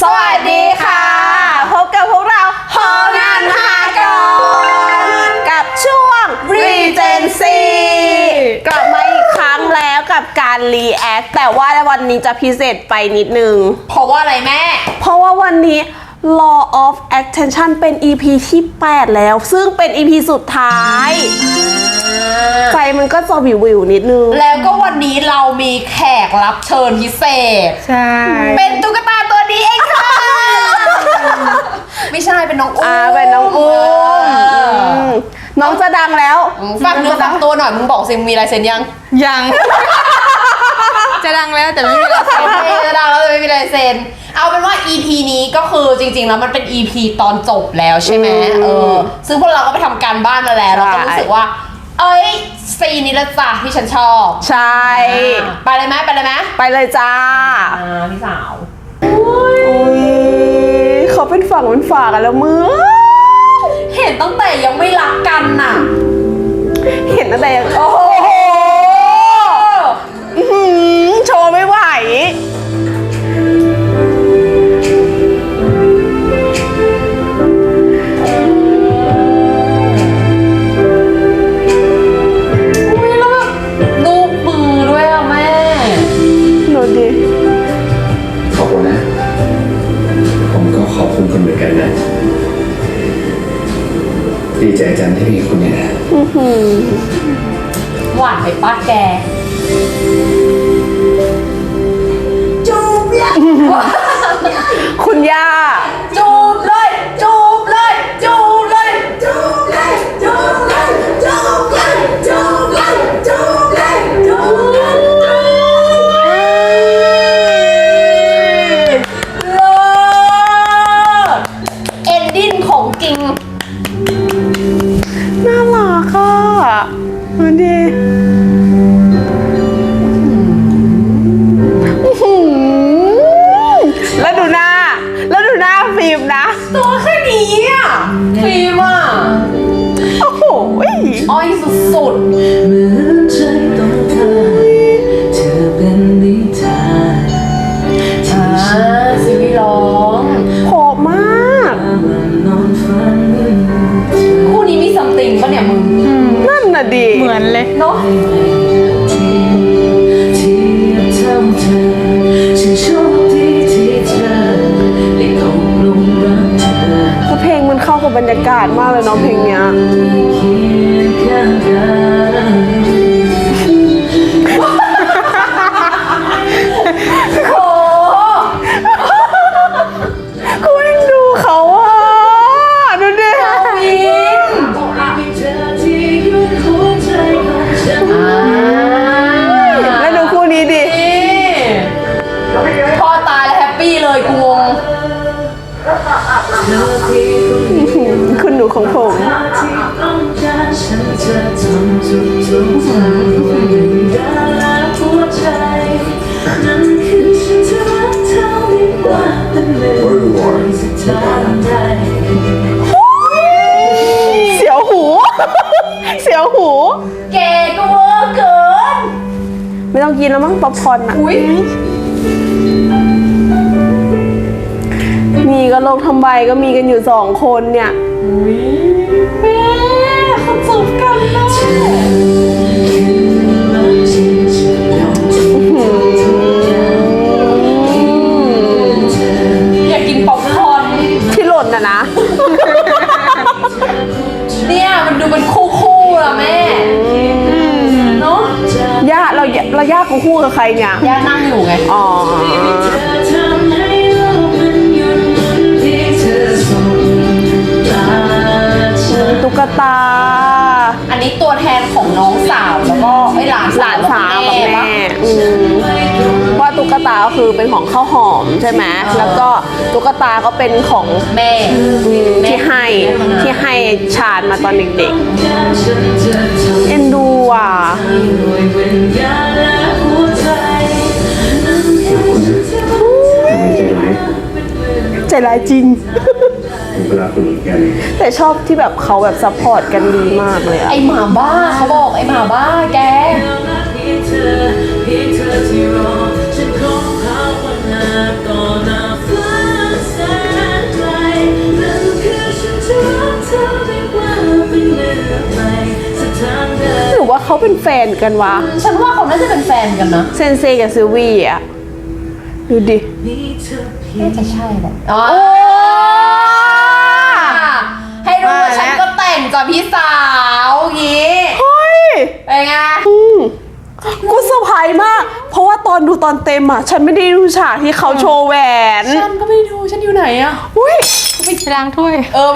สวัสดีค่ะพบกับพวกเราหองานมหากรกับช่วง Regency กลับมาอีกครั้งแล้วกับการ React แต่ว่าวันนี้จะพิเศษไปนิดนึงเพราะว่าอะไรแม่เพราะว่าวันนี้ Law of Attention เป็น EP ที่ 8 แล้วซึ่งเป็น EP สุดท้ายใจมันก็จะวิวนิดนึงแล้วก็วันนี้เรามีแขกรับเชิญพิเศษใช่เป็นตุ๊กตาตัวนี้เองค่ะไม่ใช่เป็นน้องอุ้มเป็นน้องอุ้มน้องจะดังแล้วฝากเนื้อฝากตัวหน่อยมึงบอกสิมีลายเซ็นยังจะดังแล้วแต่ไม่มีลายเซ็นจะดังแล้วแต่ไม่มีลายเซ็นเอาเป็นว่า EP นี้ก็คือจริงๆแล้วมันเป็น EP ตอนจบแล้วใช่ไหมซึ่งพวกเราก็ไปทำการบ้านมาแล้วเราก็รู้สึกว่าซีนนี้ละจ้ะที่ฉันชอบใช่ไปเลยไหมไปเลยจ้าพี่สาวเขาเป็นฝั่งเป็นฝากันแล้วมึงเห็นตั้งแต่ยังไม่รักกันน่ะเห็นตั้งแต่โอ้โหโชว์ไม่ไหวดีใจจังที่มีคุณเนี่ยนะหวานไปป้าแกจูบเลยคุณย่าจูบเลยจูบเลยจูบเลยจูบเลยจูบเลยจูบเลยจูบเลยจูบเลยจูบเลยเลิศเอนดิ้งของจริงน่ารักอ่ะดูดิแล้วดูหน้าฟิล์มนะตัวแค่นี้อ่ะฟิล์มอ่ะโอ้โหอ้อยสุดซีรีส์ร้องโหดมากคู่นี้มีซัมติงป่ะเนี่ยมึงนั่นน่ะดีเหมือนเลยเนาะเพลงมันเข้ากับบรรยากาศมากเลยเนาะเพลงเนี้ยกูยังดูเขาอ่ะดูดิแล้วดูคู่นี้ดิพ่อตายแล้วแฮปปี้เลยกูงคุณหนูของผมเสียวหูเสียวหูแกก็เวอร์เกินไม่ต้องกินแล้วมั้งป๊อปคอร์นอ่ะนี่ก็ลงทำใบก็มีกันอยู่2 คนเนี่ยแม่เขาจูบกันนะอยากกินป๊อปคอร์นที่หล่นนะเนี่ยมันดูเป็นคู่อะแม่เนาะย่าเราย่าเขาคู่กับใครเนี่ยย่านั่งอยู่ไงอ๋อตุ๊กตาอันนี้ตัวแทนของน้องสาวแล้วก็หลานสาวกับแม่ว่าตุ๊กตาก็คือเป็นของข้าวหอมใช่ไหมแล้วก็ตุ๊กตาก็เป็นของแม่ที่ให้ชาญมาตอนเด็กๆเอ็นดูอ่ะใจร้ายจริงแต่ชอบที่แบบเขาแบบซัพพอร์ตกันดีมากเลยอะไอหมาบ้าเขาบอกไอหมาบ้าแกเนกันวะฉันว่าเขาน่าจะเป็นแฟนกันนะเซนเซกับซิลวี่อ่ะ ดูดิน่าจะใช่แหละอ๋อโอ้ให้รู้ว่าฉันก็แต่งกับพี่สาวงี้เฮ้ยเป็นไงกูเซอร์ไพรส์มาก เพราะว่าตอนดูตอนเต็มอ่ะ ฉันไม่ได้ดูฉากที่เขาโชว์แหวนฉันก็ไม่ดูฉันอยู่ไหนอะอุ้ยไปล้างถ้วยไม่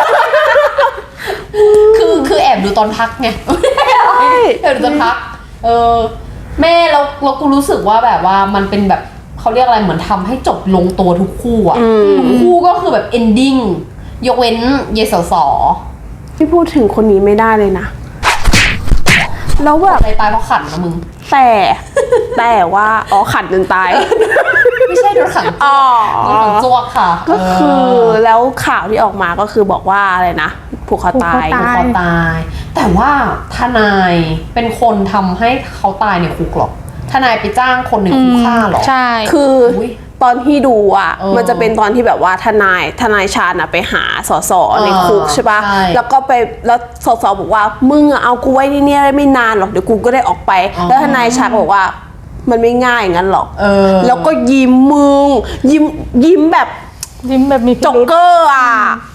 คือแอบดูตอนพักไงแอบดูตอนพักแม่เรากูรู้สึกว่าแบบว่ามันเป็นแบบเขาเรียกอะไรเหมือนทำให้จบลงตัวทุกคู่อะทุกคู่ก็คือแบบ ending ยกเว้นเยสสอที่พูดถึงคนนี้ไม่ได้เลยนะ แล้วแบบอะไรตายเพราะขันนะมึงแต่ว่า อ๋อขันจนตายไม่ใช่โดนขังอ๋อโดนขังจวกค่ะก็คือแล้วข่าวที่ออกมาก็คือบอกว่าอะไรนะผูกคอตายผูกคอคอตาย แต่ว่าทนายเป็นคนทำให้เขาตายในคุกหรอทนายไปจ้างคนในคุกฆ่าหรอใช่คืออย ตอนที่ดูอ่ะมันจะเป็นตอนที่แบบว่าทนายชาญอะไปหาสสในคุกใช่ปะใช่แล้วก็ไปแล้วสสบอกว่ามึงอะเอากูไว้ที่นี่ได้ไม่นานหรอกเดี๋ยวกูก็ได้ออกไป แล้วทนายชาญก็บอกว่ามันไม่ง่ายอย่างนั้นหรอก แล้วก็ยิ้มมึงยิ้มแบบยิ้มแบบมีพิจ็อกรุธเกอร์อ่ะ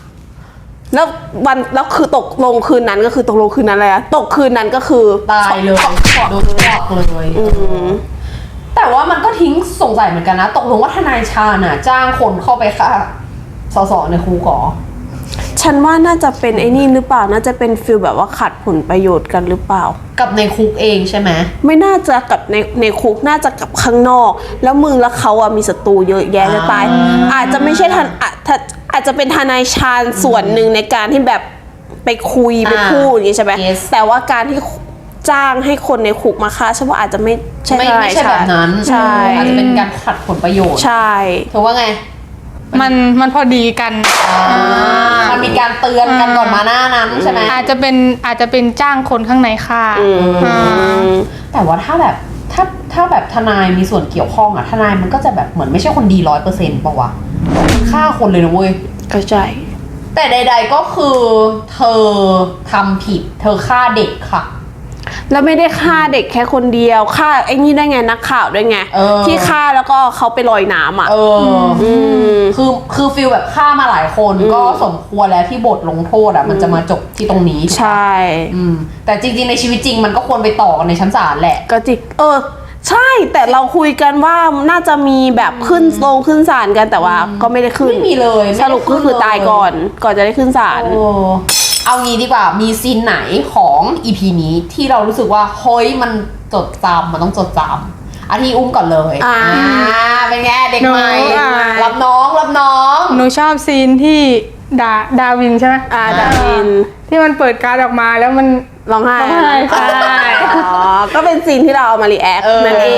แล้วคือตกลงคืนนั้นก็คือตกลงคืนนั้นอะไรอะตกคืนนั้นก็คือตายเลยโดนจวกเลยแต่ว่ามันก็ทิ้งสงสัยเหมือนกันนะ ตกลงว่าทนายชาญน่ะจ้างคนเข้าไปฆ่าสสในคุกเหรอฉันว่าน่าจะเป็นไอ้นี่หรือเปล่าน่าจะเป็นฟิลแบบว่าขัดผลประโยชน์กันหรือเปล่ากับในคุกเองใช่ไหมไม่น่าจะกับในคุกน่าจะกับข้างนอก แล้วมึงและเขาอะมีศัตรูเยอะแยะจะตาย อาจจะไม่ใช่อาจจะเป็นทนายชาญส่วนหนึ่งในการที่แบบไปคุยไปพูดอย่างนี้ใช่ไหม Yes แต่ว่าการที่จ้างให้คนในคุกมาฆ่าฉันว่าอาจจะไม่ใช่ไม่ใช่แบบนั้นใช่อาจจะเป็นการขัดผลประโยชน์ใช่ถือว่าไงมันพอดีกันมันมีการเตือนกันก่อนมาหน้านั้นใช่ไหมอาจจะเป็นจ้างคนข้างในฆ่าอ่าแต่ว่าถ้าแบบถ้าแบบทนายมีส่วนเกี่ยวข้องอะทนายมันก็จะแบบเหมือนไม่ใช่คนดี100%ป่าวะฆ่าคนเลยนะเว้ยเข้าใจแต่ใด ๆก็คือเธอทำผิดเธอฆ่าเด็กค่ะแล้วไม่ได้ฆ่าเด็กแค่คนเดียวฆ่าไอ้นี่ได้ไงนักข่าวด้วยไง ที่ฆ่าแล้วก็เขาไปลอยน้ำอ่ะคือฟิลแบบฆ่ามาหลายคนก็สมควรแล้วที่บทลงโทษอะมันจะมาจบที่ตรงนี้ใช่แต่จริงๆในชีวิตจริงมันก็ควรไปต่อกันในชั้นศาลแหละก็จิกใช่แต่เราคุยกันว่าน่าจะมีแบบขึ้นศาลกันแต่ว่าก็ไม่ได้ขึ้นไม่มีเลยสรุปก็คือตายก่อนจะได้ขึ้นศาลเอางี้ดีกว่ามีซีนไหนของ EP นี้ที่เรารู้สึกว่าเฮ้ยมันจดจำมันต้องจดจำอาทีอุ้มก่อนเลยเป็นไงเด็กใหม่ รับน้องหนูชอบซีนที่ดาวินใช่ไหมดาวินที่มันเปิดการ์ดออกมาแล้วมันร้องไห้ใช่ก็เป็นซีนที่เราเอามารีแอคนั่นเอง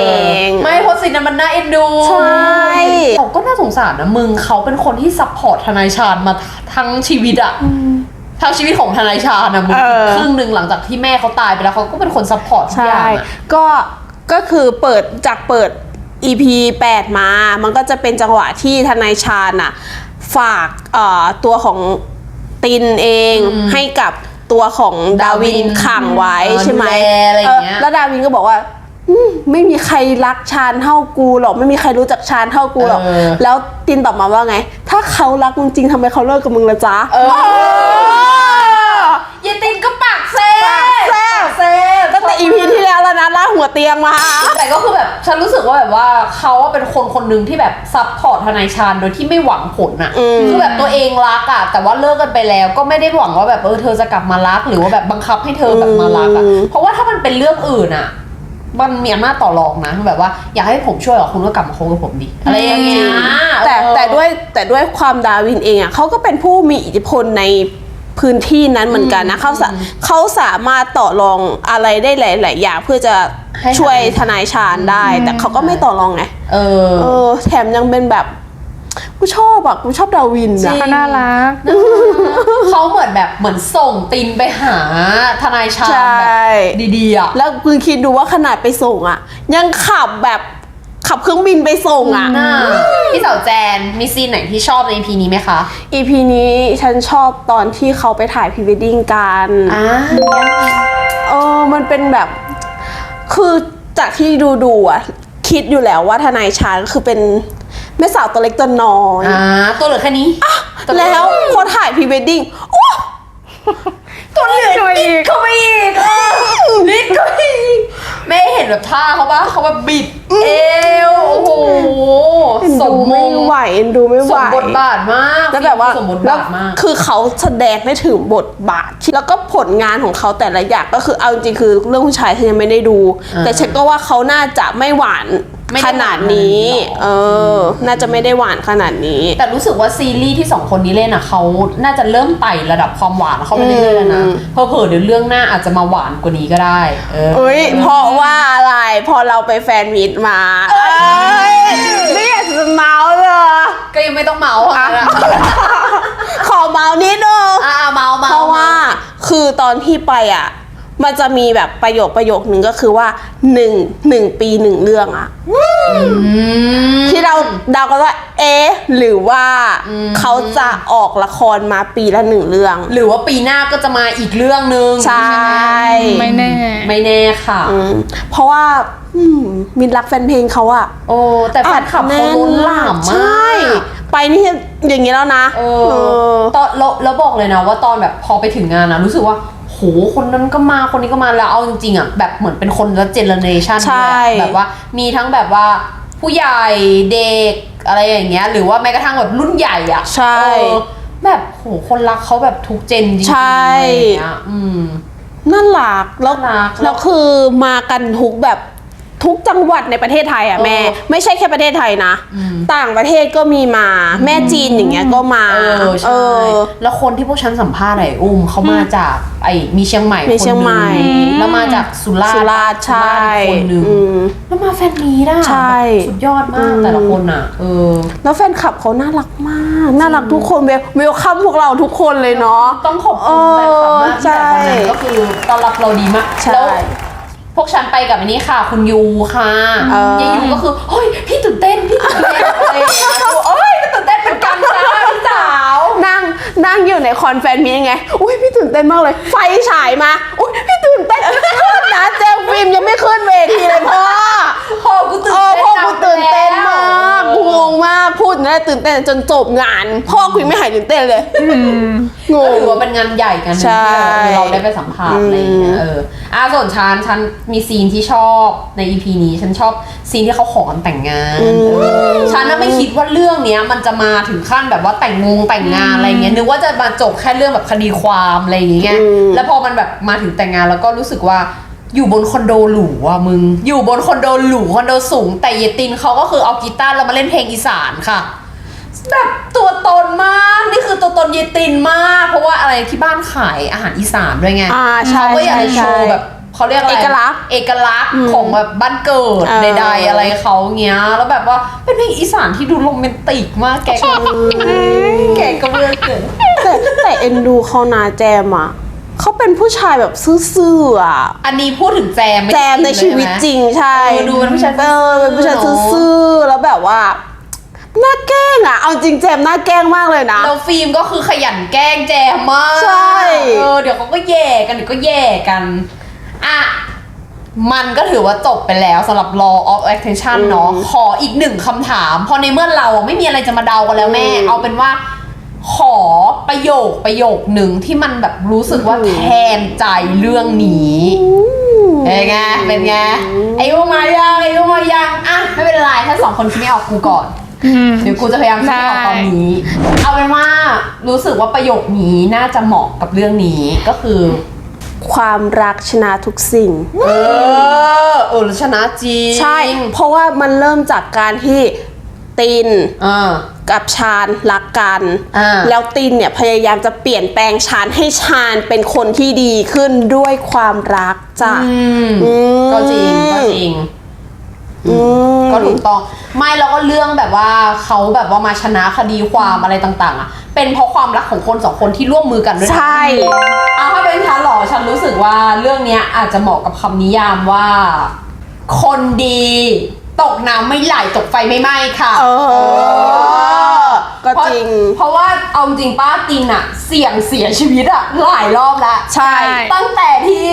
ไม่เพราะซีนนั้นมันน่าเอ็นดูใช่เขาก็น่าสงสารนะมึงเขาเป็นคนที่ซัพพอร์ตทนายชาญมาทั้งชีวิตอะทั้งชีวิตของทนายชาญนะมึงครึ่งหนึ่งหลังจากที่แม่เขาตายไปแล้วเขาก็เป็นคนซัพพอร์ตทุกอย่างก็คือเปิด EP 8 มา มันก็จะเป็นจังหวะที่ทนายชาญน่ะฝากตัวของตินเองให้กับตัวของดาวินขังไว้ใช่ไหมอะไรอย่างเงี้ยแล้วดาวินก็บอกว่าไม่มีใครรักชาญเท่ากูหรอกไม่มีใครรู้จักชาญเท่ากูหรอกแล้วตินตอบมาว่าไง ถ้าเขารักมึงจริงทำไมเขาเลิกกับมึงละจ๊ะยายตินก็ปากแซ่ตั้งแต่ EP ที่แล้วแล้วนะลากหัวเตียงมาแต่ก็คือแบบฉันรู้สึกว่าแบบว่าเขาเป็นคนหนึ่งที่แบบซัพพอร์ตทนายชาญโดยที่ไม่หวังผลอะคือแบบตัวเองรักอะแต่ว่าเลิกกันไปแล้วก็ไม่ได้หวังว่าแบบเธอจะกลับมารักหรือว่าแบบบังคับให้เธอแบบมารักอะเพราะว่าถ้ามันเป็นเรื่องอื่นอะมันมีอำนาจต่อรองนะแบบว่าอยากให้ผมช่วยคุณก็กลับมาคบกับผมดิอะไรอย่างเงี้ยแต่ด้วยความดาวินเองอ่ะเขาก็เป็นผู้มีอิทธิพลในพื้นที่นั้นเหมือนกันนะเขาสามารถต่อรองอะไรได้หลายๆอย่างเพื่อจะช่วยทนายชาญได้ แต่เขาก็ไม่ต่อรองไงแถมยังเป็นแบบกูชอบดาวินนะก็น่ารักเขาเหมือนส่งตินไปหาทนายชาญแบบดีๆอ่ะแล้วคุณคิดดูว่าขนาดไปส่งอ่ะยังขับเครื่องบินไปส่งอ่ะพี่สาวแจนมีซีนไหนที่ชอบใน EP นี้ไหมคะ EP นี้ฉันชอบตอนที่เขาไปถ่ายพรีเวดดิ้งกันมันเป็นแบบคือจากที่ดูอ่ะคิดอยู่แล้วว่าทนายชาญก็คือเป็นแม่สาวตัวเล็กตัวน้อยตัวเหลือแค่นี้ตัวเหลือแล้วพอถ่ายพรีเวดดิ้งโอ้ตัวเหลืออีกเขาไปอีกนิดก็อีกแม่เห็นแบบท่าเขาปะเขาแบบบิดเอวโอ้โหเอ็นสดูมมไม่งไหวเอ็นดูไม่ไหสวมบทบาทมากแล้วแบบว่าสมบทแล้วบาทมากคือเขาแสดงได้ถึงบทบาทที่แล้วก็ผลงานของเขาแต่ละอย่างก็คือเอาจริงๆคือเรื่องผู้ชายฉันยังไม่ได้ดู แต่ฉันก็ว่าเขาน่าจะไม่หวานไม่ขได้หวานนาดนี้ขนาดนี้หรอเออ น่าจะไม่ได้หวานขนาดนี้แต่รู้สึกว่าซีรีส์ที่สองคนนี้เล่นอ่ะเขาน่าจะเริ่มไต่ระดับความหวานเขาไปเรื่อยๆแล้วนะเผลอๆเดี๋ยวเรื่องหน้าอาจจะมาหวานกว่านี้ก็ได้เอ้ยเพราะว่าอะไรพอเราไปแฟนมีตมาเอ้ยไม่อยากจะเมาส์เลยก็ยังไม่ต้องเมาส์ค่ะขอเมาส์นิดนึงเมาส์เพราะว่าคือตอนที่ไปอ่ะ มันจะมีแบบประโยคนึงก็คือว่าหนึ่งปีหนึ่งเรื่องอ่ะที่เราเดากันว่าหรือว่าเขาจะออกละครมาปีละหนึ่งเรื่องหรือว่าปีหน้าก็จะมาอีกเรื่องนึงใช่ไม่แน่ไม่แน่ค่ะเพราะว่ามินรักแฟนเพลงเขาอะโอ้แต่แฟนคลับเขาล้นหลามมากใช่ไปนี่อย่างนี้แล้วนะตอนแล้วบอกเลยนะว่าตอนแบบพอไปถึงงานนะรู้สึกว่าโหคนนั้นก็มาคนนี้ก็มาแล้วเอาจริงๆอ่ะแบบเหมือนเป็นคนละเจเนอเรชันใช่แบบว่ามีทั้งแบบว่าผู้ใหญ่เด็กอะไรอย่างเงี้ยหรือว่าแม้กระทั่งแบบรุ่นใหญ่อ่ะใช่แบบโหคนรักเขาแบบทุกเจนจริงๆใช่อะไรอย่างเงี้ยน่ารักแล้วน่ารักแล้วคือมากันทุกแบบทุกจังหวัดในประเทศไทยอ่ะแม่ ไม่ใช่แค่ประเทศไทยนะ ต่างประเทศก็มีมาแม่จีนอย่างเงี้ยก็มาใช่แล้วคนที่พวกฉันสัมภาษณ์ไอ้เขามาจากมีเชียงใหม่มีเชียงใหม่คนหนึ่งแล้วมาจากสุราษฎสุร์ราษฎร์ใช่คนหนึ่งแล้วมาแฟนมีด้ใช่สุดยอดมากแต่ละคนอ่ะแล้วแฟนคลับเขาน่ารักมากน่ารักทุกคนเวลคัมพวกเราทุกคนเลยเนาะต้องขอบคุณแฟนคลับมากที่ใช่แบบวันนั้นก็คือต้อนรับเราดีมากใช่แล้วพวกฉันไปกับอันนี้ค่ะ คุณยูค่ะยายยูก็คือเฮ้ยพี่ตื่นเต้นอะไรอย่างเงี้ยเอ้ยตื่นเต้นเป็นกันจ้าพี่สาวนั่งอยู่ในคอนแฟนมีไงอุ้ยพี่ตื่นเต้นมากเลย ไฟฉายมาอุ้ยพี่ตื่นเต้นขึ้นนะเจลฟิล์มยังไม่ขึ้นเวทีเลยพ่อพ่อกูตื่นเต้นพ่อกูตื่นเต้นมากกูงงมากพูดนะตื่นเต้นจนจบงานพ่อกูยังไม่หายตื่นเต้นเลยงก็งถือว่าเป็นงานใหญ่กันหนึ่งใช่ที่เราได้ไปสัมภาษณ์อะไรอย่างเงี้ยส่วนฉันมีซีนที่ชอบใน EP นี้ฉันชอบซีนที่เขาขอกันแต่งงานฉันน่ะไม่คิดว่าเรื่องเนี้ยมันจะมาถึงขั้นแบบว่าแต่งงานอะไรเงี้ยนึกว่าจะมาจบแค่เรื่องแบบคดีความอะไรอย่างเงี้ยแล้วพอมันแบบมาถึงแต่งงานแล้วก็รู้สึกว่าอยู่บนคอนโดหรูอ่ะมึงอยู่บนคอนโดหรูคอนโดสูงแต่เยตินเขาก็คือเอากีตาร์แล้วมาเล่นเพลงอีสานค่ะแบบตัวตนมากนี่คือตัวตนเยตินมากเพราะว่าอะไรที่บ้านขายอาหารอีสานด้วยไงใช่เขาก็อยากจะโชว์ใช่แบบเขาเรียกอะไรเอกลักษณ์เอกลักษณ์ของแบบบ้านเกิดใดๆอะไรเขาเงี้ยแล้วแบบว่าเป็นเพลงอีสานที่ดูโรแมนติกมากแกก็เบื่อเกินแต่เอ็นดูเขานาแจมอ่ะเขาเป็นผู้ชายแบบซื่อๆอ่ะอันนี้พูดถึงแจมไม่แจมในชีวิตจริงใช่ดูเป็นผู้ชายเป็นผู้ชายซื่อๆแล้วแบบว่าน่าแกล้งอ่ะเอาจริงแจมน่าแกล้งมากเลยนะแล้วฟิล์มก็คือขยันแกล้งแจมมากใช่เดี๋ยวเขาก็แย่กันเดี๋ยวก็แย่กันอ่ะมันก็ถือว่าจบไปแล้วสำหรับ Law of Attraction เนาะขออีกหนึ่งคำถามพอในเมื่อเราไม่มีอะไรจะมาเดากันแล้วแม่ เอาเป็นว่าขอประโยคหนึ่งที่มันแบบรู้สึกว่าแทนใจเรื่องนี้เป็นไงไอ้พวกมายังอ่ะไม่เป็นไรถ้าสองคนคิดไม่ออกกูก่อนเดี๋ยวกูจะพยายามคิดไม่ออกตอนนี้ เอาเป็นว่ารู้สึกว่าประโยคนี้น่าจะเหมาะกับเรื่องนี้ก็คือความรักชนะทุกสิ่งชนะจริงใช่เพราะว่ามันเริ่มจากการที่ติน กับชาญรักกันแล้วตินเนี่ยพยายามจะเปลี่ยนแปลงชาญให้ชาญเป็นคนที่ดีขึ้นด้วยความรักจ้ะก็จริงก็ถูกต้องไม่แล้วก็เรื่องแบบว่าเขาแบบว่ามาชนะคดีความอะไรต่างๆอ่ะเป็นเพราะความรักของคนสองคนที่ร่วมมือกันด้วยใช่ถ้าเป็นฉันหรอฉันรู้สึกว่าเรื่องเนี้ยอาจจะเหมาะกับคำนิยามว่าคนดีตกน้ำไม่ไหลตกไฟไม่ไหม้ค่ะก็จริงเพราะว่าเอาจริงป้าตินอะเสี่ยงเสียชีวิตอะหลายรอบแล้วใช่ตั้งแต่ที่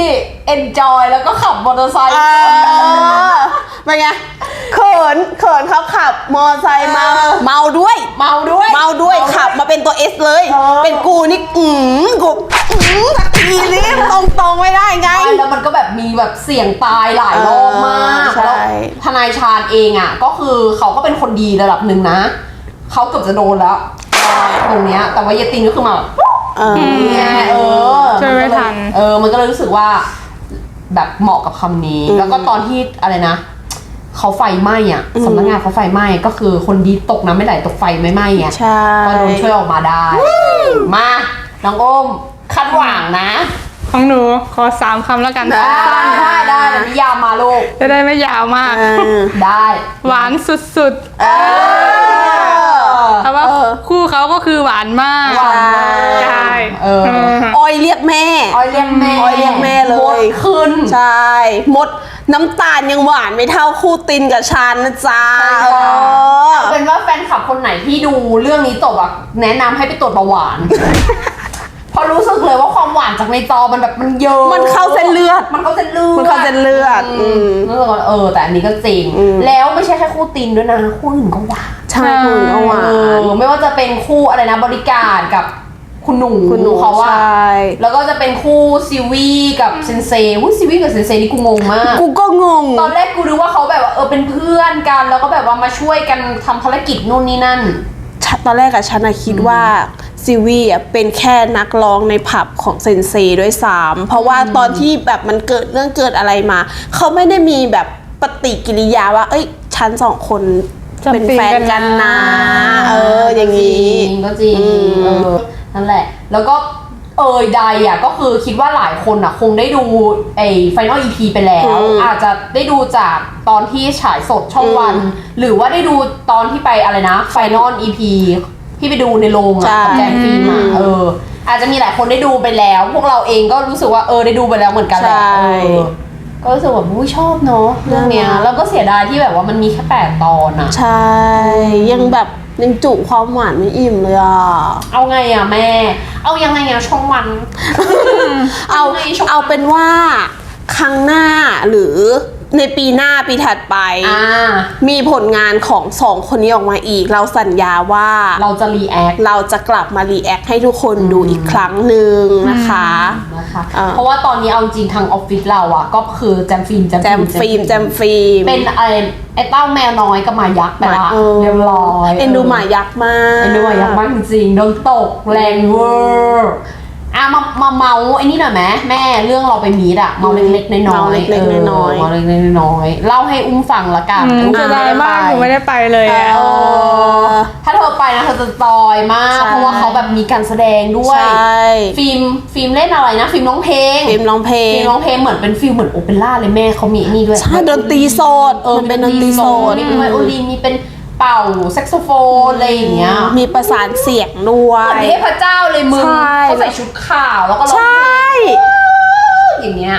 enjoy แล้วก็ขับมอเตอร์ไซค์เป็นไงเขินเขาขับมอไซค์มาเมาด้วยเมาด้วยขับมาเป็นตัวเอสเลย เป็นกูนี่กูสักทีรีบตรงไม่ได้ไงแล้วมันก็แบบมีแบบเสี่ยงตายหลายรอบมากใช่แล้วทนายชาญเองอ่ะก็คือเขาก็เป็นคนดีระดับหนึ่งนะเขาเกือบจะโดนแล้วตรงเนี้ยแต่ว่ายายตินก็คือมาแบบเนี่ยช่วยไม่ทันมันก็เลยรู้สึกว่าแบบเหมาะกับคำนี้ แล้วก็ตอนที่อะไรนะเขาไฟไหม้อ่ะสำนักงานเขาไฟไหม้ก็คือคนดีตกน้ำไม่ไหลตกไฟไม่ไหม้ไงใช่ก็โดนช่วยออกมาได้มาน้องอ้มคาดหวังนะของหนูขอ3 คำแล้วกันได้ได้เดี๋ยวนิยามมาลูกจะได้ไม่ยาวมากได้หวานสุดๆเพราะว่าคู่เขาก็คือหวานมากหวานมากใช่ออยเรียกแม่ออยเรียกแม่ออยเรียกแม่เลยหมดขึ้นใช่มดน้ำตาลยังหวานไม่เท่าคู่ตินกับชันนะจ๊ะใช่ค่ะ เอาเป็นว่าแฟนคลับคนไหนที่ดูเรื่องนี้จบอะแนะนำให้ไปตรวจเบาหวาน เพราะรู้สึกเลยว่าความหวานจากในจอมันแบบมันเยอะมันเข้าเส้นเลือดมันเข้าเส้นเลือดมันเข้าเส้นเลือดรู้สึกว่าแต่อันนี้ก็จริง แล้วไม่ใช่แค่คู่ตินด้วยนะคู่อื่นก็หวานใช่คุณก็หวานไม่ว่าจะเป็นคู่อะไรนะบริการกับคุณหนูคุณหนูเขาว่าใช่แล้วก็จะเป็นคู่ซิวีกับเซนเซซิวีกับเซนเซนี่กูงงมากกูก็งงตอนแรกกูนึกว่าเขาแบบว่าเป็นเพื่อนกันแล้วก็แบบว่ามาช่วยกันทำภารกิจนู่นนี่นั่นตอนแรกอะฉันอะคิดว่าซีวีอะเป็นแค่นักร้องในผับของเซนเซด้วยซ้ำเพราะว่าตอนที่แบบมันเกิดเรื่องเกิดอะไรมา เขาไม่ได้มีแบบปฏิกิริยาว่า เอ้ยฉันสองคนเป็นแฟนกันนะ อย่างนี้ก็จริงนั่นแหละ แล้วก็ใดอ่ะก็คือคิดว่าหลายคนอ่ะคงได้ดูไอ้ Final EP ไปแล้ว อาจจะได้ดูจากตอนที่ฉายสดช่องวัน หรือว่าได้ดูตอนที่ไปอะไรนะ Final EP ที่ไปดูในโรงอ่ะกับแจมฟิล์มอ่ะอาจจะมีหลายคนได้ดูไปแล้ว พวกเราเองก็รู้สึกว่าได้ดูไปแล้วเหมือนกันแหละก็รู้สึกแบบชอบเนาะเรื่องเนี้ยแล้วก็เสียดายที่แบบว่ามันมีแค่8 ตอนอ่ะใช่ยังแบบยังจุความหวานไม่อิ่มเลยอ่ะเอาไงอ่ะแม่ เอายังไงอ่ะช่องวันเอาเป็นว่าครั้งหน้าหรือในปีหน้าปีถัดไป มีผลงานของสองคนนี้ออกมาอีก เราสัญญาว่าเราจะรีแอคเราจะกลับมารีแอคให้ทุกคนดูอีกครั้งหนึ่งนะคะเพราะว่าตอนนี้เอาจริงทางออฟฟิศเราอ่ะก็คือแจมฟิล์มแจมฟิล์มเป็นไอ้เต้าแมวน้อยกับหมายักษ์ไปละเรียบร้อยเอ็นดูหมายักษ์มากเอ็นดูหมายักษ์มากจริงๆโดนตกแรงเวอร์มาเมาไอ้นี่หน่อยไหมแม่เรื่องเราไปมีดอะเมาเล็กๆน้อยๆเล็กๆน้อยเมาเล็กๆน้อยๆเล่าให้อุ้มฟังละกันจะได้มากหนูไม่ได้ไปเลยอะถ้าเธอไปนะเธอจะจอยมากเพราะว่าเขาแบบมีการแสดงด้วยใช่ฟิล์มเล่นอะไรนะฟิล์มร้องเพลงฟิล์มร้องเพลงเหมือนเป็นฟิลเหมือนโอเปร่าเลยแม่เขามีนี่ด้วยใช่ดนตรีสดมันเป็นดนตรีสดมีเป็นไวโอลินมีเป็นเป่าแซกโซโฟนอะไรอย่างเงี้ยมีประสานเสียงด้วเหมือนยเทพเจ้าเลยมึงใช่เขาใส่ชุดขาวแล้วก็ร้องใช่เพลงอย่างเงี้ย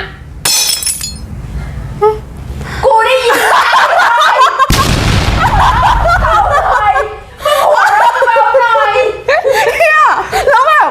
กูได้ยินแล้วแบบ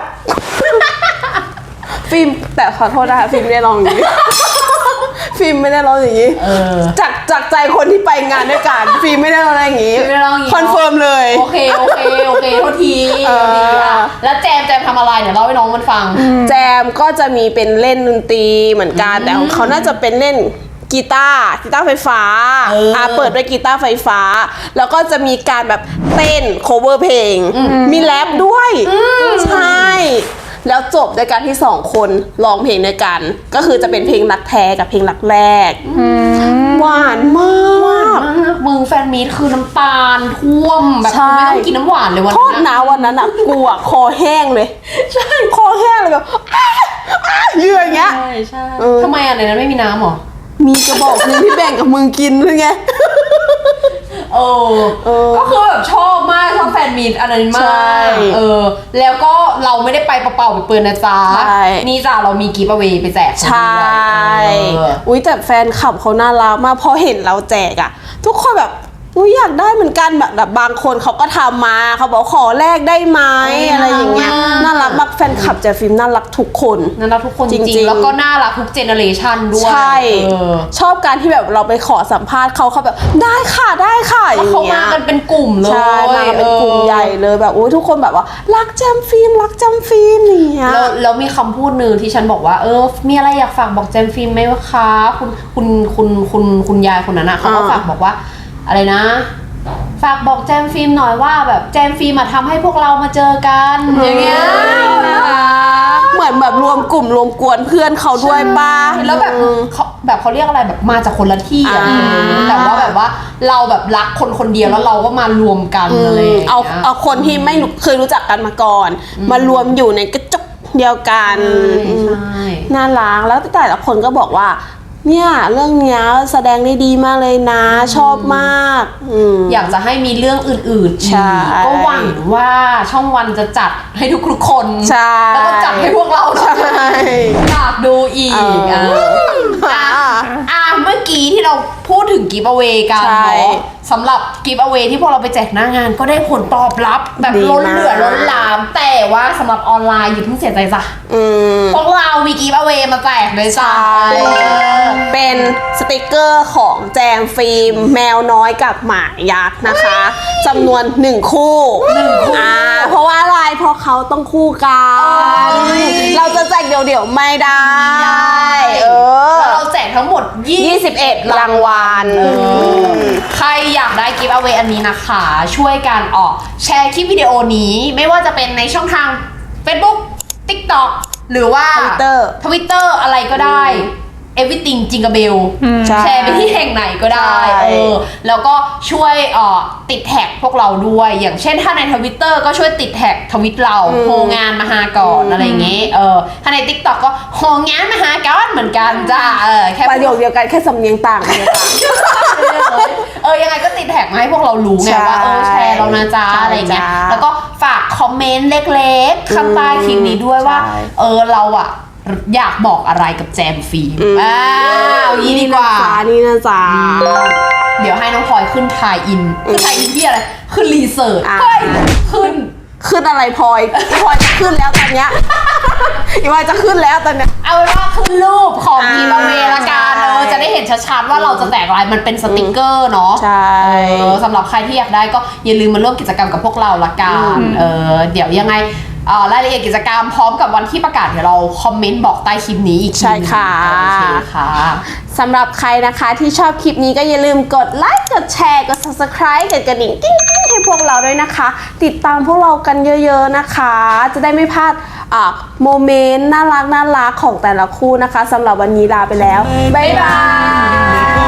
ฟิล์มแต่ขอโทษนะคะฟิล์มไม่ได้ร้องอย่างนี้ ฟิล์มไม่ได้ร้องอย่างนี้จากใจคนที่ไปงานด้วยกันฟิล์มไม่ได้ร้องอย่างนี้คอนเฟิร์มเลยโอเคโทษทีแล้วแจมทำอะไรเดี๋ยวเล่าให้น้องมันฟังแจมก็จะมีเป็นเล่นดนตรีเหมือนกันแต่ของเขาน่าจะเป็นเล่นกีตาร์ไฟฟ้าเปิดด้วยกีตาร์ไฟฟ้า แล้วก็จะมีการแบบเต้น cover เพลงมีแรปด้วยใช่แล้วจบด้วยการที่สองคนร้องเพลงด้วยกัน ก็คือจะเป็นเพลงรักแท้กับเพลงรักแรกหวานมากมึงแฟนมีตคือน้ำตาลท่วมแบบกูไม่ต้องกินน้ำหวานเลยวันโทนั้ษนนะวันนั้นอ่ะกูอ่ะคอแห้งเลยใช่คอแห้งเลยแบบยืนอย่างเงี้ยใช่ทำไมในนั้นไม่มีน้ำหรอมีกระบอกนึงที่แบ่งกับมึงกินหรือไงก็คือแบบชอบมากชอบแฟนมีตอันนั้นมากแล้วก็เราไม่ได้ไปเปล่าๆไปเปิดนะจ๊ะนี่จ้ะเรามีกิฟต์เอาไว้ไปแจกใช่อุ้ยแต่แฟนคลับเขาน่ารักมากพอเห็นเราแจกอะทุกคนแบบอุ้ยอยากได้เหมือนกันแบบบางคนเขาก็ทำมาเขาบอกขอแลกได้ไหมอะไรอย่างเงี้ยน่ารักมากแฟนคลับแจฟิล์มน่ารักทุกคนน่ารักทุกคนจจริริงงๆๆแล้วก็น่ารักทุกเจเนอเรชันด้วยใช่เออชอบการที่แบบเราไปขอสัมภาษณ์เขาแบบได้ค่ะได้ค่ะอแล้วย่างเขาเงี้มาย กันเป็นกลุ่มเลยใช่มากันเป็นกลุ่มใหญ่เลยแบบโอ้ยทุกคนแบบว่ารักแจมฟิล์มรักแจมฟิล์มอย่างเงี้ยแล้วมีคำพูดหนึ่งที่ฉันบอกว่ามีอะไรอยากฝากบอกแจมฟิล์มไหมวะคะคุณยายคนนั้นอะเขาก็ฝากบอกว่าอะไรนะ ฝากบอกแจมฟิล์มหน่อยว่าแบบแจมฟิล์มมาทำให้พวกเรามาเจอกันอย่างเงี้ยเหมือนแบบรวมกลุ่มรวมกวนเพื่อนเขาด้วยป้าแล้วแบบเขาเรียกอะไรแบบมาจากคนละที่อะแต่ว่าแบบว่าเราแบบรักคนเดียวแล้วเราก็มารวมกันอะไรอย่างเงี้ยเอาคนที่ไม่เคยรู้จักกันมาก่อน มารวมอยู่ในกระจกเดียวกันใช่น่ารักแล้วแต่ละคนก็บอกว่า เนี่ยเรื่องเนี้ยแสดงได้ดีมากเลยนะชอบมากอยากจะให้มีเรื่องอื่นๆอีใช่กก็หวังว่าช่องวันจะจัดให้ทุกๆคนใช่แล้วก็จัดให้พวกเราใช่อยากดูอีกเมื่อกี้ที่เราพูดถึงกิฟต์เอาไว้กันใช่เนาะสำหรับกิฟต์เอาไว้ที่พวกเราไปแจกหน้างานก็ได้ผลตอบรับแบบดีล้นมากเหลือล้นหลาม แต่ว่าสำหรับออนไลน์อย่าเพิ่งเสียใจจ้ะพวกเรามีกิฟต์เอาไว้มาแจกเลยจ้ะเป็นสติกเกอร์ของแจมฟิล์มแมวน้อยกับหมายักษ์นะคะจำนวน1 คู่เพราะว่าอะไรเพราะเขาต้องคู่กัน เราจะแจกเดี่ยวๆไม่ได้แล้วเราแจกทั้งหมด 21 รางวัลใครอยากได้กิฟต์เอาไว้อันนี้นะคะ ช่วยกันแชร์คลิปวิดีโอนี้ไม่ว่าจะเป็นในช่องทาง Facebook TikTok หรือว่า Twitter อะไรก็ได้ Everything จิงกะเบลใช่แชร์ไปที่แห่งไหนก็ได้ใช่แล้วก็ช่วยติดแท็กพวกเราด้วย อย่างเช่นถ้าใน Twitter ก็ช่วยติดแท็กทวิตเราโฮงานมาหาก่อนอะไรอย่างเงี้ยถ้าใน TikTok ก็โฮงานมาหาก่อนเหมือนกันจ้าแค่ประโยคเดียวกันแค่สำเนียงต่างกันเลยค่ะยังไงก็ติดแท็กมาให้พวกเรารู้ไงใช่ว่าแชร์เรานะจ๊ะใช่อะไรเงี้ยจ้าแล้วก็ฝากคอมเมนต์เล็กๆข้างใต้คลิปนี้ด้วยว่าใช่เราอยากบอกอะไรกับแจมฟิล์มนี้ดีกว่านี่นะจ๊ะเดี๋ยวให้น้องพลอยขึ้นทายอินที่อะไรขึ้นรีเสิร์ชอ่าเฮ้ยขึ้นอะไรพลอยจะขึ้นแล้วตอนเนี้ยอีพลอยจะขึ้นแล้วตอนเนี้ยเอาเป็นว่าขึ้นรูปของอ่าทีมเวละกันใช่จะได้เห็นชัดๆว่าเราจะแจกอะไรมันเป็นสติกเกอร์เนาะใช่สำหรับใครที่อยากได้ก็อย่าลืมมาร่วมกิจกรรมกับพวกเราละกันเดี๋ยวยังไงรายละเอียดกิจกรรมพร้อมกับวันที่ประกาศเดี๋ยวเราคอมเมนต์บอกใต้คลิปนี้อีกทีใช่ค่ะโอเคค่ะสำหรับใครนะคะที่ชอบคลิปนี้ก็อย่าลืมกดไลค์กดแชร์กด subscribe กดกระดิ่งกิ๊งๆให้พวกเราด้วยนะคะ ติดตามพวกเรากันเยอะๆนะคะ จะได้ไม่พลาดโมเมนต์น่ารักของแต่ละคู่นะคะสำหรับวันนี้ลาไปแล้วบ๊ายบาย